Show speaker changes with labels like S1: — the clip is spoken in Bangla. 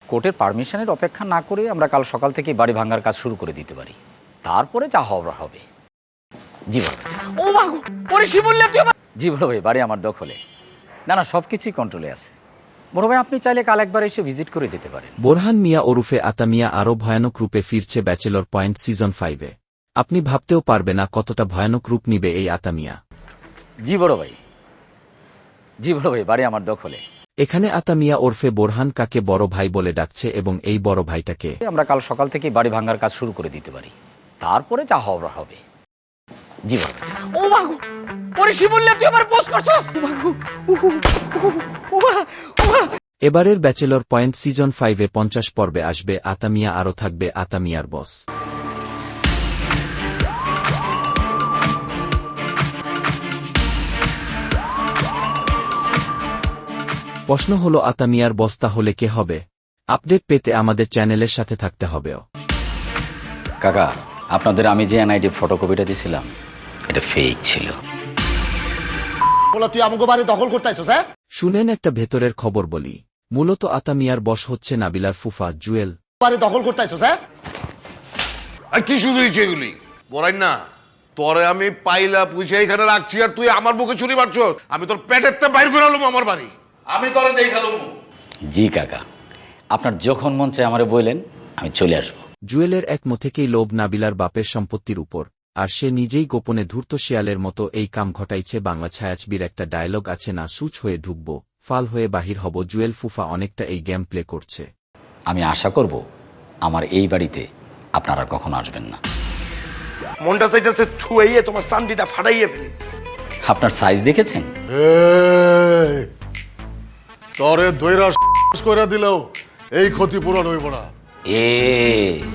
S1: কোর্টের পারমিশনের অপেক্ষা না করে আমরা কাল সকাল থেকে বাড়ি ভাঙার কাজ শুরু করে দিতে পারি, তারপরে যা হওয়ার হবে। জি বড় ভাই।
S2: ও মাগো, ওরে শিমুল্লা তুই আমার।
S1: জি বড় ভাই, বাড়ি আমার দখলে। না না, সব কিছুই কন্ট্রোলে আছে। বড় ভাই, আপনি চাইলে কাল একবার এসে ভিজিট করে যেতে পারেন।
S3: বোরহান মিয়া ওরফে আতা মিয়া আরও ভয়ানক রূপে ফিরছে ব্যাচেলর পয়েন্ট সিজন 5-এ। আপনি ভাবতেও পারবে না কতটা ভয়ানক রূপ নিবে এই আতা মিয়া।
S1: জি বড় ভাই। জি বড় ভাই, বাড়ি আমার দখলে।
S3: এখানে আতা মিয়া ওরফে বোরহান কাকে বড় ভাই বলে ডাকছে এবং এই বড় ভাইটাকে
S1: আমরা কাল সকাল থেকে বাড়ি ভাঙার কাজ শুরু করে দিতে পারি, তারপরে যা হওয়ার হবে। জি বড় ভাই।
S2: ও মাগো, ওরে শিমুল্লা তুই আমার পোস্ট করছস। ও মাগো, ও মা, ও মা।
S3: এবারের ব্যাচেলর পয়েন্ট সিজন 5-এ 50 পর্বে আসবে আতা মিয়া, আরও থাকবে আতা মিয়ার বস। প্রশ্ন হলো আতা মিয়ার বস তাহলে কে হবে? আপডেট পেতে আমাদের চ্যানেলের সাথে থাকতে হবেও।
S1: কাকা, আপনাদের আমি যে এনআইডি ফটোকপিটা দিয়েছিলাম এটা ফেক ছিল।
S4: বলা তুই আমাকে বাড়ি দখল করতে আইছস? হ্যাঁ,
S3: শুনেন একটা ভেতরের খবর বলি। মূলত আতা মিয়ার বস হচ্ছে নাবিলার ফুফা জুয়েল।
S4: বাড়ি দখল করতে আইছস? হ্যাঁ,
S5: আর কি শুরু হয়েছে এগুলি বড়াই না? তোরে আমি পাইলা পুইছে এখানে রাখছি আর তুই আমার বুকে ছুরি মারছ। আমি তোর পেটের তে বাইর করে আলুম আমার বাড়ি। আমি তোরে দেখালুম।
S1: জি কাকা, আপনার যখন মন চায় আমারে বললেন, আমি চলে আসবো।
S3: জুয়েলের একমো থেকেই লোভ নাবিলার বাপের সম্পত্তির উপর, আর সে নিজেই গোপনে ধূর্ত শিয়ালের মতো এই কাম ঘটাইছে। বাংলা ছায়াছবির একটা ডায়লগ আছে না, সুচ হয়ে ঢুকব, ফাল হয়ে বাহির হব। জুয়েল ফুফা অনেকটা এই গেম প্লে করছে।
S1: আমি আশা করব আমার এই বাড়িতে আপনারা কখনো আসবেন না।
S2: মনটা চাইতেছে ছুঁয়ে তোমার চান্দিটা ফাটাইয়ে ফেলি।
S1: আপনার সাইজ দেখেছেন?
S5: এই, তোরে দইরা করে দিলেও এই ক্ষতিপূরণ হইব না।
S1: এ